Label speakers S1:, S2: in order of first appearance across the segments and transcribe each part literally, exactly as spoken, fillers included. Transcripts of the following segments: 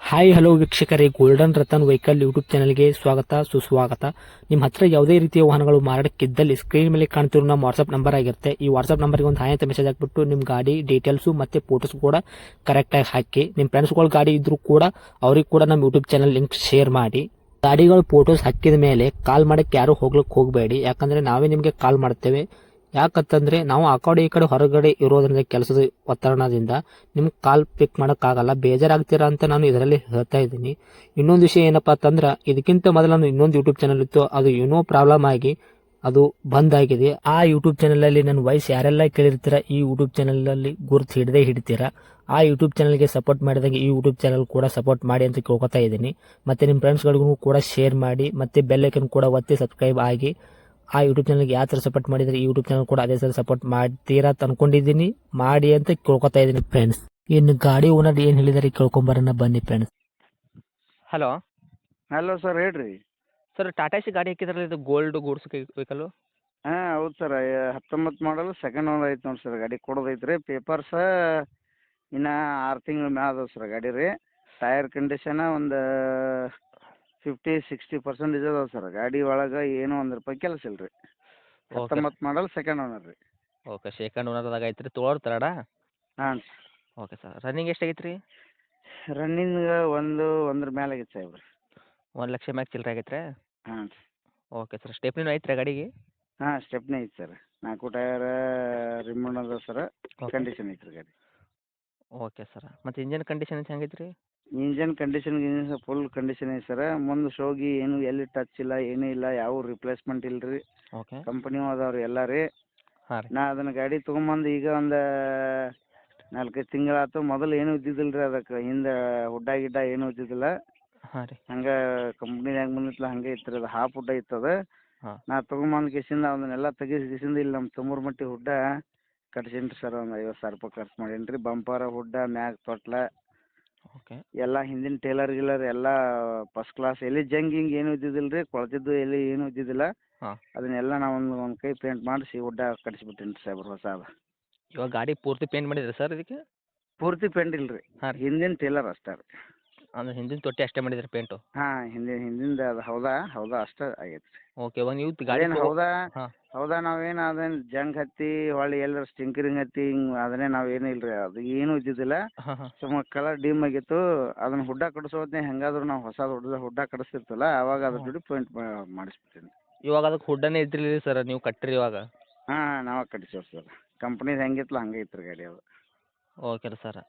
S1: Hi hello ವೀಕ್ಷಕರೇ, golden Ratan vehicle YouTube ಚಾನಲ್ಗೆ ಸ್ವಾಗತ ಸುಸ್ವಾಗತ. ನಿಮ್ಮ ಹತ್ರ ಯಾವುದೇ ರೀತಿಯ ವಾಹನಗಳು ಮಾರಾಟಕ್ಕಿದ್ದಲ್ಲಿ ಸ್ಕ್ರೀನ್ ಮೇಲೆ ಕಾಣ್ತಿರೋ ನಮ್ಮ ವಾಟ್ಸ್ಆಪ್ ನಂಬರ್ ಆಗಿರುತ್ತೆ. ಈ ವಾಟ್ಸ್ಆಪ್ ನಂಬರ್ಗೆ ಒಂದು ಹಾಯ್ ಅಂತ ಮೆಸೇಜ್ ಹಾಕ್ಬಿಟ್ಟು ನಿಮ್ಮ ಗಾಡಿ ಡೀಟೇಲ್ಸು ಮತ್ತೆ ಫೋಟೋಸ್ ಕೂಡ ಕರೆಕ್ಟಾಗಿ ಹಾಕಿ. ನಿಮ್ಮ ಫ್ರೆಂಡ್ಸ್ಗಳ ಗಾಡಿ ಇದ್ರೂ ಕೂಡ ಅವ್ರಿಗೆ ಕೂಡ ನಮ್ಮ ಯೂಟ್ಯೂಬ್ ಚಾನಲ್ ಲಿಂಕ್ ಶೇರ್ ಮಾಡಿ. ಗಾಡಿಗಳು ಫೋಟೋಸ್ ಹಾಕಿದ ಮೇಲೆ ಕಾಲ್ ಮಾಡಕ್ಕೆ ಯಾರು ಹೋಗ್ಲಿಕ್ಕೆ ಹೋಗಬೇಡಿ, ಯಾಕಂದ್ರೆ ನಾವೇ ನಿಮಗೆ ಕಾಲ್ ಮಾಡ್ತೇವೆ. ಯಾಕಂತಂದ್ರೆ ನಾವು ಆ ಕಡೆ ಈ ಕಡೆ ಹೊರಗಡೆ ಇರೋದ್ರಿಂದ ಕೆಲಸದ ಒತ್ತಡದಿಂದ ನಿಮ್ಗೆ ಕಾಲ್ ಪಿಕ್ ಮಾಡೋಕ್ಕಾಗಲ್ಲ, ಬೇಜಾರಾಗ್ತೀರಾ ಅಂತ ನಾನು ಇದರಲ್ಲಿ ಹೇಳ್ತಾ ಇದ್ದೀನಿ. ಇನ್ನೊಂದು ವಿಷಯ ಏನಪ್ಪಾ ಅಂತಂದ್ರೆ, ಇದಕ್ಕಿಂತ ಮೊದಲು ನಾನು ಇನ್ನೊಂದು ಯೂಟ್ಯೂಬ್ ಚಾನಲ್ ಇತ್ತು, ಅದು ಏನೋ ಪ್ರಾಬ್ಲಮ್ ಆಗಿ ಅದು ಬಂದ್ ಆಗಿದೆ. ಆ ಯೂಟ್ಯೂಬ್ ಚಾನಲ್ ಅಲ್ಲಿ ನನ್ನ ವಾಯ್ಸ್ ಯಾರೆಲ್ಲ ಕೇಳಿರ್ತೀರಾ, ಈ ಯೂಟ್ಯೂಬ್ ಚಾನಲ್ ಅಲ್ಲಿ ಗುರುತು ಹಿಡದೆ ಹಿಡಿತೀರಾ. ಆ ಯೂಟ್ಯೂಬ್ ಚಾನಲ್ಗೆ ಸಪೋರ್ಟ್ ಮಾಡಿದಾಗ ಈ ಯೂಟ್ಯೂಬ್ ಚಾನಲ್ ಕೂಡ ಸಪೋರ್ಟ್ ಮಾಡಿ ಅಂತ ಕೇಳ್ಕೊತಾ ಇದ್ದೀನಿ. ಮತ್ತೆ ನಿಮ್ಮ ಫ್ರೆಂಡ್ಸ್ಗಳಿಗೂ ಕೂಡ ಶೇರ್ ಮಾಡಿ, ಮತ್ತೆ ಬೆಲ್ ಐಕನ್ ಕೂಡ ಒತ್ತಿ ಸಬ್ಸ್ಕ್ರೈಬ್ ಆಗಿ. ಆ ಯೂಟ್ಯೂಬ್ ಚಾನಲ್ಗೆ ಯಾವ ಥರ ಸಪೋರ್ಟ್ ಮಾಡಿದರೆ ಈ ಯೂಟ್ಯೂಬ್ ಚಾನಲ್ ಕೂಡ ಅದೇ ಥರ ಸಪೋರ್ಟ್ ಮಾಡ್ತೀರಾ ಅಂತ ಅನ್ಕೊಂಡಿದ್ದೀನಿ. ಮಾಡಿ ಅಂತ ಕೇಳ್ಕೊತಾ ಇದ್ದೀನಿ ಫ್ರೆಂಡ್ಸ್. ಇನ್ನು ಗಾಡಿ ಓನರ್ ಏನು ಹೇಳಿದಾರೆ ಕೇಳ್ಕೊಂಬರೋಣ ಬನ್ನಿ ಫ್ರೆಂಡ್ಸ್.
S2: ಹಲೋ
S3: ಹಲೋ ಸರ್, ಹೇಳ್ರಿ.
S2: ಸರ್, ಟಾಟಾ ಸಿ ಗಾಡಿ ಹಾಕಿದ್ರಲ್ಲ, ಇದು ಗೋಲ್ಡ್ ಗೂಡ್ಸ್ ವೆಹಿಕಲ್ಲು.
S3: ಹಾಂ ಹೌದು ಸರ್, ಹತ್ತೊಂಬತ್ತು ಮಾಡಲ್ ಸೆಕೆಂಡ್ ಓನರ್ ಐತೆ ನೋಡಿ ಸರ್. ಗಾಡಿ ಕೊಡೋದೈತೆ ರೀ. ಪೇಪರ್ಸ ಇನ್ನು ಆರು ತಿಂಗಳ ಮ್ಯಾಲ ಅದಾವೆ ಸರ್ ಗಾಡಿ ರೀ. ಟೈರ್ ಕಂಡೀಷನ ಒಂದು ಫಿಫ್ಟಿ ಸಿಕ್ಸ್ಟಿ ಪರ್ಸೆಂಟೇಜ್ ಅದಾವೆ ಸರ್. ಗಾಡಿ ಒಳಗೆ ಏನೂ ಒಂದು ರೂಪಾಯಿ ಕೆಲಸ ಇಲ್ಲ ರೀ. ಹತ್ತೊಂಬತ್ತು ಮಾಡಲ್ ಸೆಕೆಂಡ್ ಓನರ್ ರೀ.
S2: ಓಕೆ, ಸೆಕೆಂಡ್ ಓನರ್ದಾಗ ಐತ್ರಿ, ತೊಗೊಳೋರು ತರಡ.
S3: ಹಾಂ
S2: ಓಕೆ ಸರ್, ರನ್ನಿಂಗ್ ಎಷ್ಟಾಗೈತೆ ರೀ?
S3: ರನ್ನಿಂಗ್ ಒಂದು ಒಂದ್ರ ಮೇಲೆ ಆಗೈತೆ ಸಾಹೇಬ್ರಿ.
S2: ಒಂದು ಲಕ್ಷ ಮ್ಯಾಗ ಚಿಲ್ಲರೆ ಆಗೈತೆ ರೀ?
S3: ಹಾಂ
S2: ಓಕೆ ಸರ್, ಸ್ಟೆಪ್ನಿನೂ ಐತ್ರಿ ಗಾಡಿಗೆ?
S3: ಹಾಂ ಸ್ಟೆಪ್ನೇ ಐತೆ ಸರ್. ನಾಲ್ಕು ಟಯರ್ ರಿಮೋನ್ ಅದ ಸರ್. ಕಂಡೀಷನ್ ಐತೆ ರೀ ಗಾಡಿ.
S2: ಓಕೆ ಸರ್, ಮತ್ತು ಇಂಜನ್ ಕಂಡೀಷನ್ ಹೆಂಗೈತೆ ರೀ?
S3: ಇಂಜನ್ ಕಂಡೀಷನ್ ಗಿಂಜನ್ ಫುಲ್ ಕಂಡೀಷನ್ ಐತೆ ಸರ್. ಮುಂದೆ ಶೋಗಿ ಏನು ಎಲ್ಲಿ ಟಚ್ ಇಲ್ಲ, ಏನೂ ಇಲ್ಲ, ಯಾವ ರಿಪ್ಲೇಸ್ಮೆಂಟ್ ಇಲ್ಲ ರೀ.
S2: ಓಕೆ.
S3: ಕಂಪ್ನಿಯೂ ಅದಾವೆ ರೀ ಎಲ್ಲ ರೀ.
S2: ಹಾಂ ರೀ.
S3: ನಾ ಅದನ್ನು ಗಾಡಿ ತೊಗೊಂಬಂದು ಈಗ ಒಂದು ನಾಲ್ಕೈದು ತಿಂಗಳಾಯ್ತು. ಮೊದಲು ಏನೂ ಇದ್ದಿದ್ದಿಲ್ಲ ರೀ, ಅದಕ್ಕೆ ಹಿಂದೆ ಹುಡ್ಡ ಗಿಡ್ಡ ಏನೂ ಇದ್ದಿದ್ದಿಲ್ಲ.
S2: ಹಾಂ ರೀ.
S3: ಹಂಗೆ ಕಂಪ್ನಿದಾಗ ಬಂದಿತ್ತಲ್ಲ ಹಂಗೆ ಇತ್ತು ರೀ. ಅದು ಹಾಫ್ ಹುಡ್ಡ ಇತ್ತು ಅದು.
S2: ಹಾಂ.
S3: ನಾ ತೊಗೊಂಬಂದು ಕಿಸಿಂದ ಅದನ್ನೆಲ್ಲ ತೆಗಿಸಿ ಕಿಸಿಂದ ಇಲ್ಲಿ ನಮ್ಮ ತುಮೂರು ಮಟ್ಟಿ ಹುಡ್ಡ ಕಟ್ಸೀನಿ ರೀ ಸರ್. ಒಂದು ಐವತ್ತು ಸಾವಿರ ರೂಪಾಯಿ ಖರ್ಚು ಮಾಡೀನಿ ರೀ. ಬಂಪರ ಹುಡ್ಡ ಮ್ಯಾಗ ತೊಟ್ಲ
S2: ಓಕೆ.
S3: ಎಲ್ಲ ಹಿಂದಿನ ಟೇಲರ್ ಗಿಲ್ಲರ್ ಎಲ್ಲ ಫಸ್ಟ್ ಕ್ಲಾಸ್. ಎಲ್ಲಿ ಜಂಗ್ ಹಿಂಗೆ ಏನೂ ಇದ್ದಿದ್ದಿಲ್ಲ ರೀ, ಕೊಳ್ತಿದ್ದು ಎಲ್ಲಿ ಏನೂ ಇದ್ದಿದ್ದಿಲ್ಲ.
S2: ಹಾಂ.
S3: ಅದನ್ನೆಲ್ಲ ನಾವು ಒಂದು ಒಂದು ಕೈ ಪೇಂಟ್ ಮಾಡಿಸಿ ಹುಡ್ಡ ಕಟ್ಸಿಬಿಟ್ಟೀನಿ ರೀ ಸಾಹೇಬ್ರು ಹೊಸಾದ.
S2: ಇವಾಗ ಗಾಡಿ ಪೂರ್ತಿ ಪೇಂಟ್ ಮಾಡಿದ್ರಿ ಸರ್ ಇದಕ್ಕೆ?
S3: ಪೂರ್ತಿ ಪೇಂಟ್ ಇಲ್ಲ ರೀ,
S2: ಹಾಂ ರೀ.
S3: ಹಿಂದಿನ ಟೇಲರ್ ಅಷ್ಟೇ ರೀ.
S2: ಅಂದ್ರೆ ಹಿಂದಿನ ತೊಟ್ಟಿ ಅಷ್ಟೇ ಮಾಡಿದ್ರಿ ಪೇಂಟು?
S3: ಹಾಂ ಹಿಂದಿನ ಹಿಂದಿಂದ ಅದು ಹೌದಾ ಹೌದಾ ಅಷ್ಟೇ ಆಗೈತೆ ರೀ.
S2: ಓಕೆ, ಇವಾಗ ನೀವು ಗಾಡಿ
S3: ಅದೇನು
S2: ತಗೋ-
S3: ಹೌದಾ
S2: ಹಾಂ.
S3: ಹೌದಾ ನಾವೇನು ಅದೇನು ಜಂಗ್ ಹತ್ತಿ ಹೊಳ್ಳಿ ಎಲ್ಲರ ಸ್ಟಿಂಕರಿಂಗ್ ಹತ್ತಿ ಹಿಂಗೆ ಅದನ್ನೇ ನಾವೇನು ಇಲ್ಲ ರೀ. ಅದು ಏನೂ ಇದ್ದಿದ್ದಿಲ್ಲ.
S2: ಹಾಂ ಹಾಂ.
S3: ಸುಮ್ಮ ಕಲರ್ ಡಿಮ್ ಆಗಿತ್ತು. ಅದನ್ನು ಹುಡ್ಡ ಕಡಿಸೋದ್ನೇ ಹೆಂಗಾದ್ರೂ ನಾವು ಹೊಸ ಹುಡ್ಡ ಹುಡ್ಡ ಕಡಿಸ್ತಿರ್ತಲ್ಲ ಅವಾಗ ಅದ್ರ ಜೋಡಿ ಪೇಂಟ್ ಮಾಡಿಸ್ಬಿಡ್ತೀನಿ.
S2: ಇವಾಗ ಅದಕ್ಕೆ ಹುಡ್ಡನೇ ಇದ್ದಿಲ್ಲ ಸರ್, ನೀವು ಕಟ್ಟಿರಿ ಇವಾಗ?
S3: ಹಾಂ ಹಾಂ ನಾವೇ ಕಟ್ಸೀವಿ ಸರ್. ಕಂಪ್ನಿದು ಹೆಂಗಿತ್ತಲ್ಲ ಹಂಗೆ ಇತ್ತು ರೀ ಗಾಡಿ ಅದು.
S2: ಓಕೆ ರೀ ಸರ್.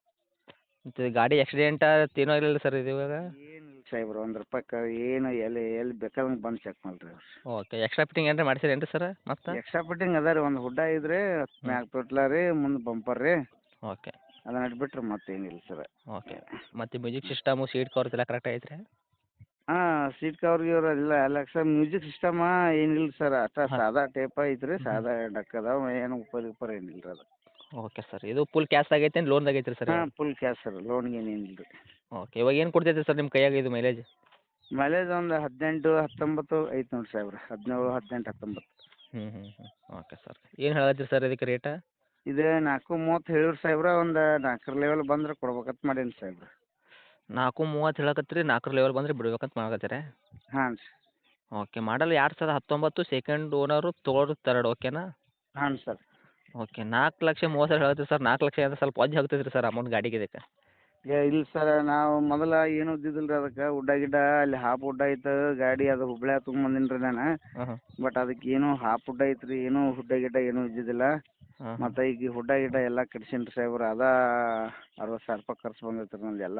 S2: ಮತ್ತು ಗಾಡಿ ಆಕ್ಸಿಡೆಂಟ ಏನೂ ಆಗಿಲ್ಲ ಸರ್ ಇದು ಇವಾಗ?
S3: ಏನಿಲ್ಲ ಸಾಹೇಬ್ರು, ಒಂದು ರೂಪಾಯಿ ಕ ಏನು ಎಲ್ಲಿ ಎಲ್ಲಿ ಬೇಕಾದಂಗೆ ಬಂದು ಚೆಕ್ ಮಾಡಿರಿ ಅವ್ರು.
S2: ಓಕೆ, ಎಕ್ಸ್ಟ್ರಾ ಫಿಟ್ಟಿಂಗ್ ಏನಾರ ಮಾಡ್ಸಿರೇನು ರೀ ಸರ್ ಮತ್ತೆ?
S3: ಎಕ್ಸ್ಟ್ರಾ ಫಿಟ್ಟಿಂಗ್ ಅದ ರೀ. ಒಂದು ಹುಡ್ಡ ಇದ್ರಿ, ಮ್ಯಾಗ ತೊಟ್ಲ ರೀ, ಮುಂದೆ ಬಂಪರ್ ರೀ.
S2: ಓಕೆ.
S3: ಅದನ್ನ ಇಟ್ಬಿಟ್ರೆ ಮತ್ತೇನಿಲ್ಲ ಸರ್.
S2: ಓಕೆ, ಮತ್ತು ಮ್ಯೂಸಿಕ್ ಸಿಸ್ಟಮು ಸೀಟ್ ಕವರ್ಸ್ ಎಲ್ಲ ಕರೆಕ್ಟ್ ಐತೆ ರೀ?
S3: ಹಾಂ ಸೀಟ್ ಕವರ್ ಗಿವರ್ ಎಲ್ಲ ಎಲ್ಲ ಸರ್. ಮ್ಯೂಸಿಕ್ ಸಿಸ್ಟಮ ಏನಿಲ್ಲ ಸರ್, ಅಷ್ಟ
S2: ಹಾಂ.
S3: ಸಾದಾ ಟೇಪ್ ಐತೆ ರೀ. ಸಾದಾ ಡಕ್ ಅದಾವ, ಏನು ಉಪ್ಪರ್ ಗಿಪ್ಪರ್ ಏನಿಲ್ಲ ರೀ ಅದು.
S2: ಓಕೆ ಸರ್, ಇದು ಫುಲ್ ಕ್ಯಾಶ್ ಆಗೈತೆ ಏನು ಲೋನ್ದಾಗ ಐತೆ ರೀ ಸರ್?
S3: ಹಾಂ ಫುಲ್ ಕ್ಯಾಶ್ ಸರ್, ಲೋನ್ಗೆ ಏನಿಲ್ಲ ರೀ.
S2: ಓಕೆ, ಇವಾಗ ಏನು ಕೊಡ್ತೈತೆ ಸರ್ ನಿಮ್ಮ ಕೈಯಾಗ ಇದು ಮೈಲೇಜ್?
S3: ಮೈಲೇಜ್ ಒಂದು ಹದಿನೆಂಟು ಹತ್ತೊಂಬತ್ತು ಐತೆ ನೋಡಿ ಸಾಹೇಬ್ರೆ. ಹದಿನೇಳು ಹದಿನೆಂಟು ಹತ್ತೊಂಬತ್ತು.
S2: ಹ್ಞೂ ಹ್ಞೂ ಹ್ಞೂ. ಓಕೆ ಸರ್, ಏನು ಹೇಳತ್ತೀರಿ ಸರ್ ಇದಕ್ಕೆ ರೇಟ?
S3: ಇದು ನಾಲ್ಕು ಮೂವತ್ತು ಹೇಳಿರಿ ಸಾಹೇಬ್ರೆ. ಒಂದು ನಾಲ್ಕರ ಲೆವೆಲ್ ಬಂದ್ರೆ ಕೊಡ್ಬೇಕಂತ ಮಾಡೀನಿ ಸಾಹೇಬ್ರೆ.
S2: ನಾಲ್ಕು ಮೂವತ್ತು ಹೇಳಕತ್ತೀರಿ, ನಾಲ್ಕರ ಲೆವೆಲ್ ಬಂದರೆ ಬಿಡ್ಬೇಕಂತ ಮಾಡಕತ್ತೀರಾ?
S3: ಹಾಂ ರೀ.
S2: ಓಕೆ, ಮಾಡಲ್ ಎರಡು ಸಾವಿರದ ಹತ್ತೊಂಬತ್ತು, ಸೆಕೆಂಡ್ ಓನರು, ತೊಗೊಳೋರು ತರ್ಡ್, ಓಕೆನಾ?
S3: ಹಾಂ ಸರ್.
S2: ಓಕೆ, ನಾಲ್ಕು ಲಕ್ಷ ಮೂವತ್ತು ಸಾವಿರ ಹೇಳತ್ತೀರಿ ಸರ್. ನಾಲ್ಕು ಲಕ್ಷ ಅಂದ್ರೆ ಸ್ವಲ್ಪ ವಜ್ಜೆ ಆಗ್ತೈತೆ ರೀ ಸರ್ ಅಮೌಂಟ್ ಗಾಡಿಗೆ ಇದಕ್ಕೆ?
S3: ಏ ಇಲ್ಲ ಸರ್, ನಾವು ಮೊದಲ ಏನೂ ಇದ್ದಿದ್ದಿಲ್ಲ ರೀ ಅದಕ್ಕೆ. ಹುಡ್ಡ ಗಿಡ್ಡ ಅಲ್ಲಿ ಹಾಫ್ ಹುಡ್ಡ ಐತೆ ಗಾಡಿ, ಅದು ಹುಬ್ಳ್ಯಾಗ ತೊಗೊಂಬಂದೀನಿ ರೀ ನಾನು.
S2: ಹಾಂ ಹಾಂ.
S3: ಬಟ್ ಅದಕ್ಕೆ ಏನೂ ಹಾಫ್ ಹುಡ್ಡ ಐತೆ ರೀ, ಏನೂ ಹುಡ್ಡ ಗಿಡ್ಡ ಏನೂ ಇದ್ದಿದ್ದಿಲ್ಲ.
S2: ಹಾಂ
S3: ಮತ್ತು ಈಗ ಹುಡ್ಡ ಗಿಡ್ಡ ಎಲ್ಲ ಕಟ್ಸೀನಿ ರೀ ಸಾಹೇಬ್ರೆ. ಅದಾ ಅರವತ್ತು ಸಾವಿರ ರೂಪಾಯಿ ಖರ್ಚು ಬಂದೈತೆ ರೀ ನಂದು ಎಲ್ಲ.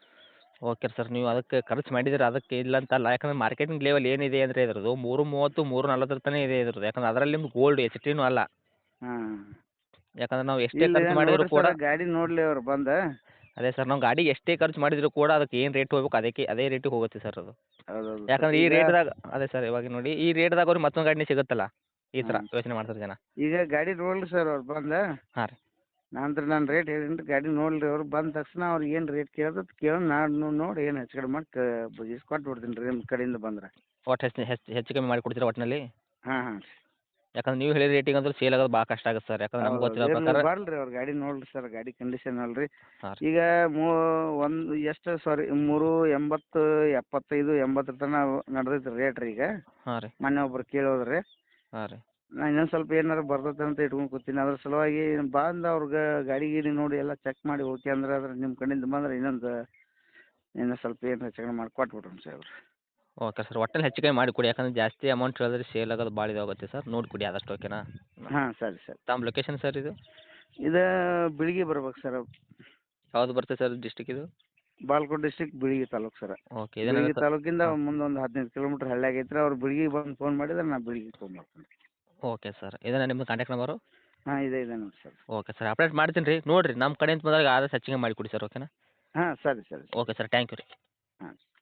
S2: ಓಕೆ ಸರ್, ನೀವು ಅದಕ್ಕೆ ಖರ್ಚು ಮಾಡಿದ್ದೀರ, ಅದಕ್ಕೆ ಇಲ್ಲ ಅಂತಲ್ಲ. ಯಾಕಂದ್ರೆ ಮಾರ್ಕೆಟಿಂಗ್ ಲೆವೆಲ್ ಏನಿದೆ ಅಂದರೆ ಇದ್ರದ್ದು ಮೂರು ಮೂವತ್ತು ಮೂರು ನಲ್ವತ್ತರ ತನಕ ಇದೆ ಇದ್ರದ್ದು. ಯಾಕಂದ್ರೆ ಅದರಲ್ಲಿ ನಿಮ್ದು ಗೋಲ್ಡ್ ಎಚ್ ಟಿನೂ ಅಲ್ಲ.
S3: ಹಾಂ
S2: ಯಾಕಂದ್ರೆ ನಾವು ಎಷ್ಟೇ
S3: ಇಲ್ಲ
S2: ಖರ್ಚು ಮಾಡಿದರೂ
S3: ನೋಡಿರಿ
S2: ಕೂಡ
S3: ಸರ್, ಗಾಡಿ ನೋಡಲಿ ಅವ್ರು ಬಂದು.
S2: ಅದೇ ಸರ್, ನಾವು ಗಾಡಿಗೆ ಎಷ್ಟೇ ಖರ್ಚು ಮಾಡಿದರೂ ಕೂಡ ಅದಕ್ಕೆ ಏನು ರೇಟ್ ಹೋಗ್ಬೇಕು ಅದಕ್ಕೆ ಅದೇ ರೇಟಿಗೆ ಹೋಗುತ್ತೆ ಸರ್ ಅದು.
S3: ಹೌದೌದು ಸರ್.
S2: ಯಾಕಂದ್ರೆ ಈ
S3: ಈಗ
S2: ರೇಟ್ದಾಗ ಅದೇ ಸರ್, ಇವಾಗ ನೋಡಿ ಈ ರೇಟ್ದಾಗ ಅವ್ರಿಗೆ ಮತ್ತೊಂದು ಗಾಡಿನೇ ಸಿಗುತ್ತಲ್ಲ, ಈ ಥರ
S3: ಹಾಂ
S2: ಯೋಚನೆ ಮಾಡ್ತಾರೆ ಜನ.
S3: ಈಗ ಗಾಡಿ ನೋಡಲಿ ಸರ್ ಅವ್ರು ಬಂದು.
S2: ಹಾಂ ರೀ.
S3: ನಂತರ ನಾನು ರೇಟ್ ಹೇಳೀನಿ ರೀ. ಗಾಡಿ ನೋಡಲಿ ಅವ್ರು ಬಂದ ತಕ್ಷಣ ಅವ್ರಿಗೆ ಏನು ರೇಟ್ ಕೇಳ್ದತ್ ಕೇಳಿ ನಾನು ನೋಡಿ ಏನು ಹೆಚ್ಚು ಕಡಿಮೆ ಮಾಡಿ ಕ ಕೊಟ್ಟು ಬಿಡ್ತೀನಿ ರೀ ನಿಮ್ಮ ಕಡೆಯಿಂದ ಬಂದರೆ.
S2: ಒಟ್ಟು ಹೆಚ್ಚು ಹೆಚ್ಚು ಹೆಚ್ಚು ಕಮ್ಮಿ ಮಾಡಿ ಕೊಡ್ತೀರಾ ಒಟ್ಟಿನಲ್ಲಿ?
S3: ಹಾಂ ಹಾಂ ರೀ.
S2: ಯಾಕಂದ್ರೆ ನೀವು ಹೇಳಿದ ರೇಟಿಗೆ ಅಂದ್ರೆ ಸೇಲ್ ಆಗೋದು ಭಾಳ ಕಷ್ಟ ಆಗುತ್ತೆ ಸರ್ ಯಾಕಂದ್ರೆ ನಮ್ಗೆ ಗೊತ್ತಿರೋ ಪ್ರಕಾರ
S3: ಬರ್ಲ್ರಿ ಅವ್ರ ಗಾಡಿ ನೋಡ್ರಿ ಸರ್ ಗಾಡಿ ಕಂಡೀಷನ್ ಅಲ್ರಿ
S2: ಹಾಂ ರೀ
S3: ಈಗ ಮೂ ಒಂದು ಎಷ್ಟು ಸಾರಿ ಮೂರು ಎಂಬತ್ತು ಎಪ್ಪತ್ತೈದು ಎಂಬತ್ತರ ತನಕ ನಡ್ದೈತೆ ರೇಟ್ ರೀ ಈಗ
S2: ಹಾಂ ರೀ
S3: ಮೊನ್ನೆ ಒಬ್ರು ಕೇಳೋದ್ರಿ
S2: ಹಾಂ ರೀ
S3: ನಾ ಇನ್ನೊಂದು ಸ್ವಲ್ಪ ಏನಾರು ಬರ್ತೈತೆ ಅಂತ ಇಟ್ಕೊಂಡು ಕೂತೀನಿ ಅದ್ರ ಸಲುವಾಗಿ ಬಂದು ಅವ್ರಿಗೆ ಗಾಡಿ ಗೀಡಿ ನೋಡಿ ಎಲ್ಲ ಚೆಕ್ ಮಾಡಿ ಓಕೆ ಅಂದ್ರೆ ಅದ್ರ ನಿಮ್ಮ ಕಡೆಯಿಂದ ಬಂದ್ರೆ ಇನ್ನೊಂದು ಇನ್ನೂ ಸ್ವಲ್ಪ ಏನು ಹೆಚ್ಚು ಕಡಿಮೆ ಮಾಡಿ ಕೊಟ್ಬಿಡ್ರಿ ಸರ್ ಅವ್ರು
S2: ಓಕೆ ಸರ್ ಒಟ್ಟಲ್ಲಿ ಹೆಚ್ಚು ಕಮ್ಮಿ ಮಾಡಿ ಕೊಡಿ ಯಾಕಂದ್ರೆ ಜಾಸ್ತಿ ಅಮೌಂಟ್ ಹೇಳಿದ್ರೆ ಸೇಲ್ ಆಗೋದು ಭಾಳ ಇದಾಗುತ್ತೆ ಸರ್ ನೋಡಿ ಕೊಡಿ ಆದಷ್ಟು ಓಕೆನಾ
S3: ಹಾಂ ಸರಿ ಸರಿ
S2: ತಮ್ಮ ಲೊಕೇಶನ್ ಸರ್ ಇದು
S3: ಇದು ಬಿಳಿಗಿ ಬರ್ಬೇಕು ಸರ್
S2: ಯಾವ್ದು ಬರ್ತದೆ ಸರ್ ಡಿಸ್ಟಿಕ್ ಇದು
S3: Bagalkot district Bilagi taluk sir
S2: okay
S3: Bilagi
S2: ಇದೇನಾಗುತ್ತೆ
S3: ತಾಲೂಕಿಂದ ಮುಂದೆ ಒಂದು ಹದಿನೈದು ಕಿಲೋಮೀಟ್ರ್ ಹಳ್ಳಿ ಆಗೈತೆ ಅವ್ರು ಬಿಳಿಗಿ ಬಂದು ಫೋನ್ ಮಾಡಿದ್ರೆ ನಾ ಬಿಳಿಗಿ ಫೋನ್ ಮಾಡ್ತೀನಿ
S2: ಓಕೆ ಸರ್ ಇದೇನಾ ನಿಮ್ಮದು ಕಾಂಟ್ಯಾಕ್ಟ್ ನಂಬರು
S3: ಹಾಂ ಇದೆ ಇದೆ ನೋಡಿ ಸರ್
S2: ಓಕೆ ಸರ್ ಅಪ್ಡೇಟ್ ಮಾಡ್ತೀನಿ ರೀ ನೋಡಿರಿ ನಮ್ಮ ಕಡೆಯಿಂದ ಬಂದಾಗ ಆದಷ್ಟು ಹೆಚ್ಚಿಗೆ ಮಾಡಿ ಕೊಡಿ ಸರ್ ಓಕೆನಾ
S3: ಹಾಂ ಸರಿ ಸರಿ
S2: ಓಕೆ ಸರ್ ಥ್ಯಾಂಕ್ ಯು ರೀ
S3: ಹಾಂ